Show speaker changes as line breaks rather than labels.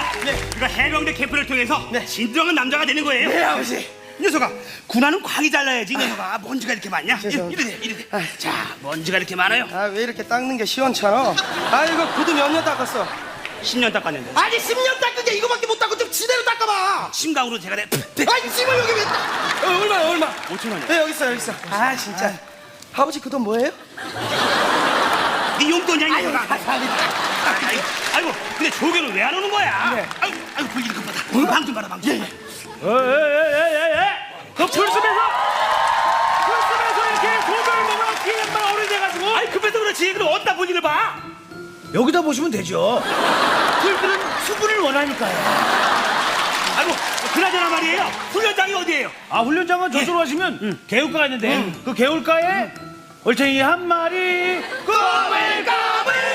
네. 우리가 해병대 캠프를 통해서
네.
진정한 남자가 되는 거예요.
네, 아버지.
이 녀석아, 군화는 광이 잘라야지. 이 녀석아, 먼지가 이렇게 많냐?
죄송합니다.
이래.
아.
자, 먼지가 이렇게 많아요.
아, 왜 이렇게 닦는 게 시원찮아? 아, 이거 구두 몇 년 닦았어?
10년 닦았는데.
아니, 10년 닦은 게 이거밖에 못 닦고 좀 지대로 닦아봐.
심각으로 제가
아이, 씨발, 여기 왜 얼마?
5천 원이야.
네, 여기 있어. 아, 진짜. 아버지, 그 돈 뭐예요?
네 용돈이야, 이
아유,
녀석아.
감사합니다.
아이고, 근데 조교는 왜 안 오는 거야?
네.
아이고, 불길이 급하다. 방 좀 봐라, 방 좀.
그 풀숲에서 이렇게 소변을 먹으면 어떻게 양반 어른이 돼가지고.
아이, 급해서 그렇지. 그럼 어디다 볼일을 봐?
여기다 보시면 되죠. 풀들은 수분을 원하니까요.
아이고, 그나저나 말이에요. 훈련장이 어디예요?
아, 훈련장은 저쪽으로 가시면 개울가가 있는데 그 개울가에 얼챙이 한 마리 꼬물까